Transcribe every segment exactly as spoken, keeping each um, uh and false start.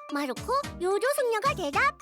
마르코 요조 숙녀가 대답편.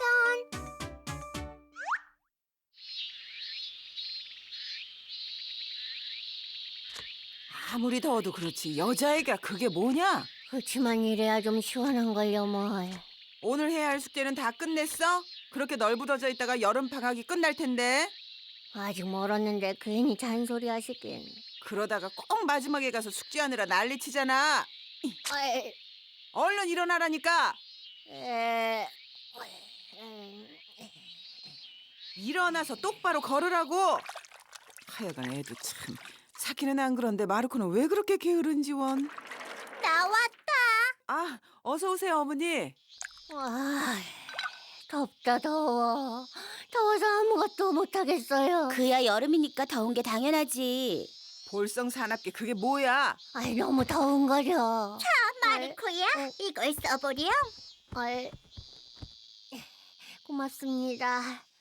아무리 더워도 그렇지 여자애가 그게 뭐냐? 그치만 이래야 좀 시원한걸요 뭘. 오늘 해야 할 숙제는 다 끝냈어? 그렇게 널브러져 있다가 여름 방학이 끝날 텐데. 아직 멀었는데 괜히 잔소리 하시긴. 그러다가 꼭 마지막에 가서 숙제하느라 난리치잖아. 아이, 얼른 일어나라니까. 에... 음, 일어나서 똑바로 걸으라고. 하여간 애도 참. 사키는 안 그런데 마르코는 왜 그렇게 게으른지 원. 나왔다. 아, 어서 오세요 어머니. 와, 덥다 더워. 더워서 아무것도 못하겠어요. 그야 여름이니까 더운 게 당연하지. 볼성 사납게 그게 뭐야? 아이, 너무 더운 거려. 마르코야, 어. 이걸 써보렴. 아이, 고맙습니다.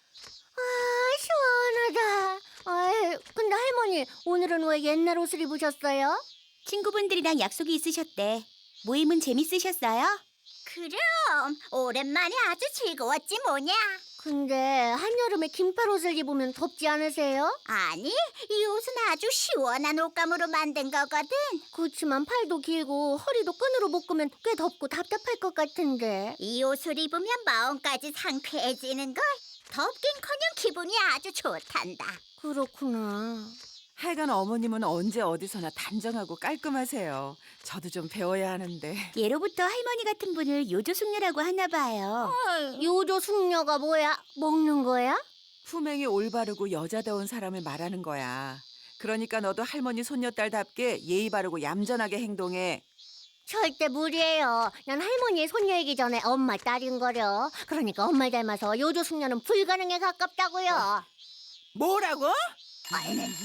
아, 시원하다. 아이, 근데 할머니, 오늘은 왜 옛날 옷을 입으셨어요? 친구분들이랑 약속이 있으셨대. 모임은 재밌으셨어요? 그럼 오랜만에 아주 즐거웠지 뭐냐. 근데 한여름에 긴팔 옷을 입으면 덥지 않으세요? 아니, 이 옷은 아주 시원한 옷감으로 만든 거거든. 그렇지만 팔도 길고 허리도 끈으로 묶으면 꽤 덥고 답답할 것 같은데. 이 옷을 입으면 마음까지 상쾌해지는 걸. 덥긴커녕 기분이 아주 좋단다. 그렇구나. 하여간 어머님은 언제 어디서나 단정하고 깔끔하세요. 저도 좀 배워야 하는데. 예로부터 할머니 같은 분을 요조숙녀라고 하나 봐요. 요조 숙녀가 뭐야? 먹는 거야? 품행이 올바르고 여자다운 사람을 말하는 거야. 그러니까 너도 할머니 손녀딸답게 예의 바르고 얌전하게 행동해. 절대 무리예요. 난 할머니의 손녀이기 전에 엄마 딸인 거려. 그러니까 엄마 닮아서 요조 숙녀는 불가능에 가깝다고요. 뭐라고? 아,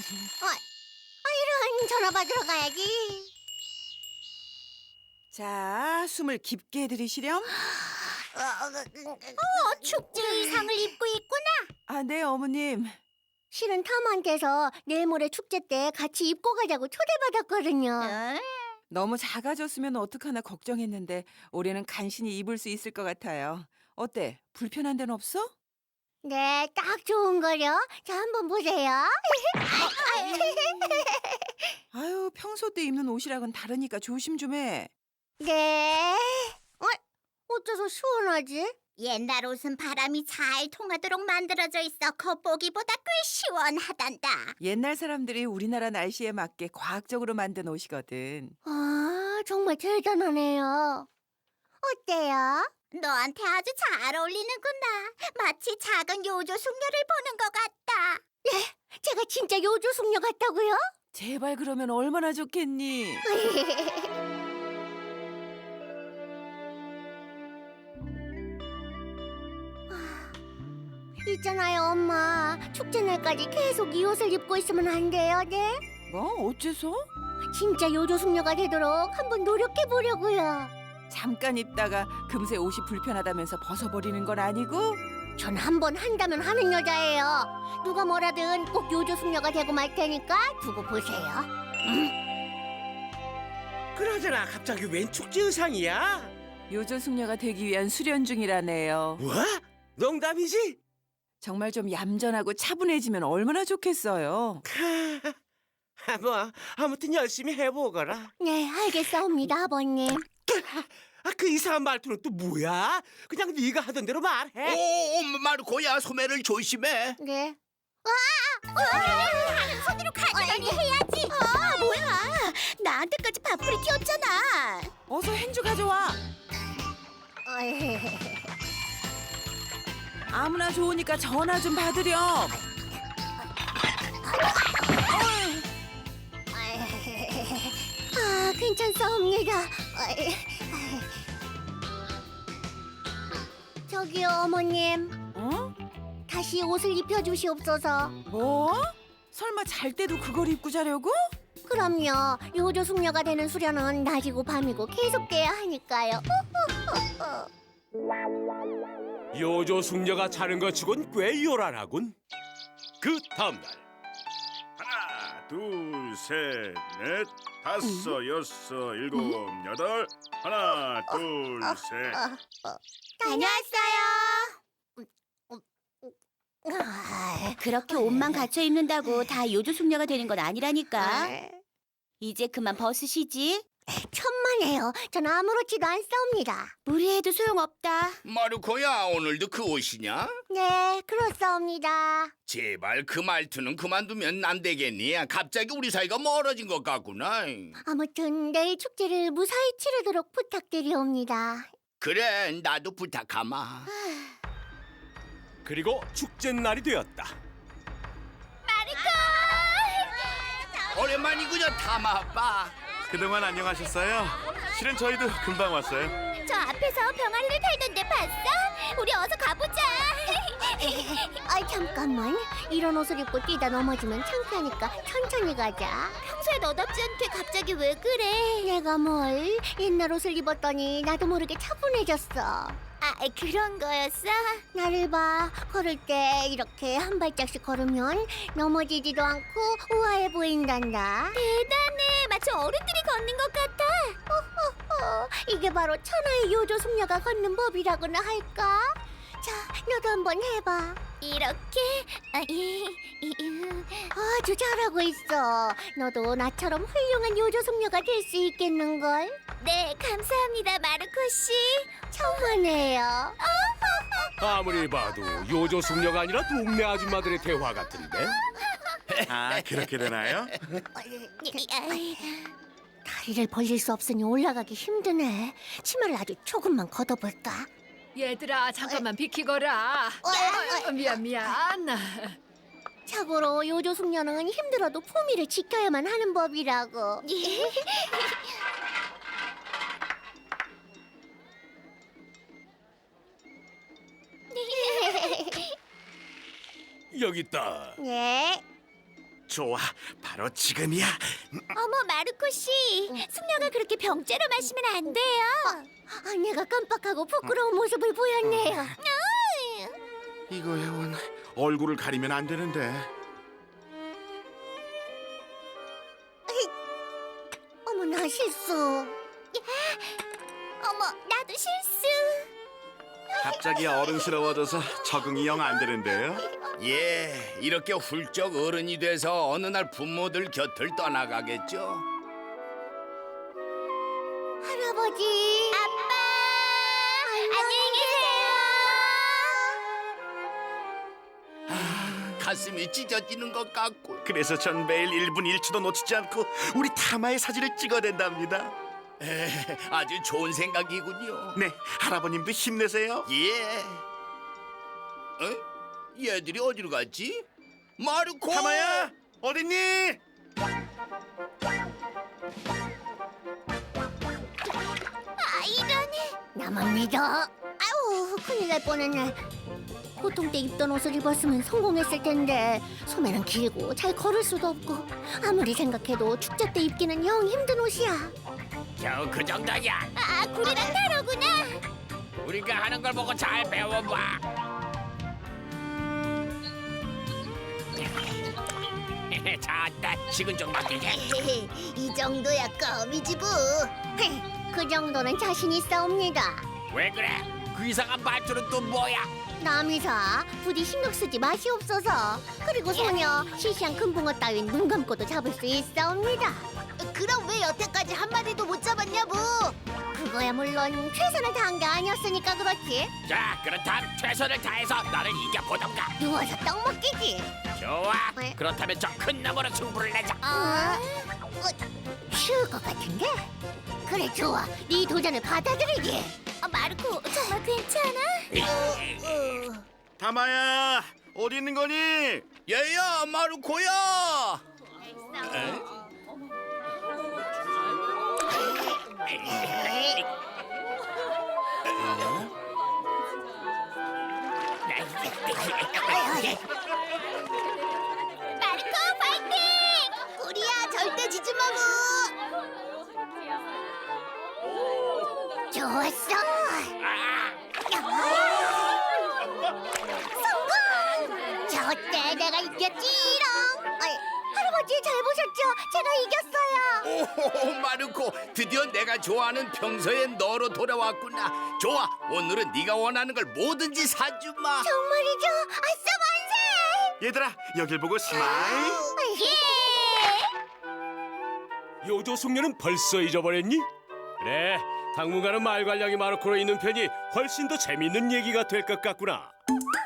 이런 전화 받으러 가야지. 자, 숨을 깊게 들이시렴. 어, 축제 의상을 입고 있구나. 아, 네, 어머님. 실은 탐한테서 내일 모레 축제 때 같이 입고 가자고 초대받았거든요. 응? 너무 작아졌으면 어떡하나 걱정했는데 올해는 간신히 입을 수 있을 것 같아요. 어때? 불편한 데는 없어? 네, 딱 좋은 거려. 자, 한번 보세요. 아유, 평소 때 입는 옷이랑은 다르니까 조심 좀 해. 네. 어, 어째서 시원하지? 옛날 옷은 바람이 잘 통하도록 만들어져 있어 겉보기보다 꽤 시원하단다. 옛날 사람들이 우리나라 날씨에 맞게 과학적으로 만든 옷이거든. 아, 정말 대단하네요. 어때요? 너한테 아주 잘 어울리는구나. 마치 작은 요조 숙녀를 보는 것 같다. 제가 진짜 요조 숙녀 같다고요? 제발 그러면 얼마나 좋겠니? 있잖아요, 엄마. 축제 날까지 계속 이 옷을 입고 있으면 안 돼요, 네? 뭐? 어째서? 진짜 요조 숙녀가 되도록 한번 노력해 보려고요. 잠깐 입다가 금세 옷이 불편하다면서 벗어버리는 건 아니고? 전 한번 한다면 하는 여자예요. 누가 뭐라든 꼭 요조 숙녀가 되고 말 테니까 두고 보세요. 그나저나 갑자기 웬 축제 의상이야? 요조 숙녀가 되기 위한 수련 중이라네요. 뭐? 농담이지? 정말 좀 얌전하고 차분해지면 얼마나 좋겠어요. 하, 뭐 아무튼 열심히 해보거라. 네, 알겠사옵니다, 아버님. 아, 그 이상한 말투는 또 뭐야? 그냥 네가 하던 대로 말해. 오, 마르코야, 소매를 조심해. 네. 하는 손으로 가져가니 해야지. 아, 뭐야? 나한테까지 밥풀이 튀었잖아. 어서 행주 가져와. 어이, 아무나 좋으니까 전화 좀 받으렴. 아, 괜찮사옵니다. 어이, 저기요, 어머님. 어? 다시 옷을 입혀주시옵소서. 뭐? 설마 잘 때도 그걸 입고 자려고? 그럼요. 요조 숙녀가 되는 수련은 낮이고 밤이고 계속돼야 하니까요. 요조 숙녀가 자는 것 치곤 꽤 요란하군. 그 다음날 하나, 둘, 셋, 넷, 다섯, 여섯, 일곱, 여덟. 하나, 둘, 셋. 다녀왔어요. 그렇게 옷만 갖춰 입는다고 다 요조 숙녀가 되는 건 아니라니까. 이제 그만 벗으시지. 천만에요. 전 아무렇지도 않사옵니다. 무리해도 소용없다. 마르코야, 오늘도 그 옷이냐? 네, 그렇사옵니다. 제발 그 말투는 그만두면 안 되겠니? 갑자기 우리 사이가 멀어진 것 같구나. 아무튼 내일 축제를 무사히 치르도록 부탁드리옵니다. 그래, 나도 부탁하마. 그리고 축제 날이 되었다. 오랜만이군요, 타마 아빠. 그동안 안녕하셨어요? 실은 저희도 금방 왔어요. 저 앞에서 병아리를 팔던데 봤어? 우리 어서 가보자. 아 잠깐만. 이런 옷을 입고 뛰다 넘어지면 창피하니까 천천히 가자. 평소에 너답지 않게 갑자기 왜 그래? 내가 뭘 옛날 옷을 입었더니 나도 모르게 차분해졌어. 아, 그런 거였어? 나를 봐. 걸을 때 이렇게 한 발짝씩 걸으면 넘어지지도 않고 우아해 보인단다. 대단해. 마치 어른들이 걷는 것 같아. 어, 이게 바로 천하의 요조 숙녀가 걷는 법이라고나 할까? 자, 너도 한번 해봐. 이렇게? 아, 이, 이, 이. 아주 잘하고 있어. 너도 나처럼 훌륭한 요조 숙녀가 될 수 있겠는걸? 네, 감사합니다, 마르코 씨. 천만에요. 아무리 봐도 요조 숙녀가 아니라 동네 아줌마들의 대화 같은데. 아, 그렇게 되나요? 다리를 벌릴 수 없으니 올라가기 힘드네. 치마를 아주 조금만 걷어볼까? 얘들아 잠깐만 비키거라. 어, 미안 미안. 참고로 요조 숙녀는 힘들어도 품위를 지켜야만 하는 법이라고. 여기 있다. 예. 좋아, 바로 지금이야. 어머, 마르코 씨. 숙녀가 그렇게 병째로 마시면 안 돼요. 아, 내가 깜빡하고 부끄러운 모습을 보였네요. 이거야 원 얼굴을 가리면 안 되는데. 어머나 실수. 어머, 나도 실수. 갑자기 어른스러워져서 적응이 영 안 되는데요. 예, 이렇게 훌쩍 어른이 돼서 어느 날 부모들 곁을 떠나가겠죠. 할아버지. 아빠. 안녕히 계세요. 가슴이 찢어지는 것 같고. 그래서 전 매일 일 분 일 초도 놓치지 않고 우리 타마의 사진을 찍어댄답니다. 에, 아주 좋은 생각이군요. 네, 할아버님도 힘내세요. 예. 어? 얘들이 어디로 갔지? 마르코! 타마야, 어딨니? 아, 이러니. 나만 믿어. 아우, 큰일 날 뻔했네. 보통 때 입던 옷을 입었으면 성공했을 텐데 소매는 길고 잘 걸을 수도 없고 아무리 생각해도 축제 때 입기는 영 힘든 옷이야. 겨우 그 정도야. 아, 구리랑 다르구나. 우리가 하는 걸 보고 잘 배워봐. 자다 식은 좀 맡기게. 이 정도야 껌이지 뭐. 그 정도는 자신 있사옵니다. 왜 그래? 그 이상한 말투는 또 뭐야? 남이사 부디 신경 쓰지 마시옵소서. 그리고 소녀 시시한 금붕어 따윈 눈 감고도 잡을 수 있사옵니다. 그럼 왜 여태까지 한 마리도 못 잡았냐고? 그거야 물론 최선을 다한 게 아니었으니까 그렇지. 자, 그렇다면 최선을 다해서 너를 이겨보던가. 누워서 떡 먹기지. 좋아. 왜? 그렇다면 저 큰 나무로 승부를 내자. 어? 어, 쉬울 것 같은데? 그래 좋아. 네 도전을 받아들이지. 어, 마르코, 정말 괜찮아? 타마야, 어디 있는 거니? 얘야, 마르코야. 마르코, 파이팅! 우리야 절대 지지 마고. 좋았어. 성공. 저때 내가 이겼지롱. 어이, 할아버지 잘 보셨죠? 제가 이겼어요. 오호, 마르코, 드디어 내가 좋아하는 평소의 너로 돌아왔구나. 좋아, 오늘은 네가 원하는 걸 뭐든지 사주마. 정말이죠? 아싸 만세! 얘들아, 여길 보고 스마일. 예! 요조 숙녀는 벌써 잊어버렸니? 그래, 당분간은 말괄량이 마르코로 있는 편이 훨씬 더 재밌는 얘기가 될 것 같구나.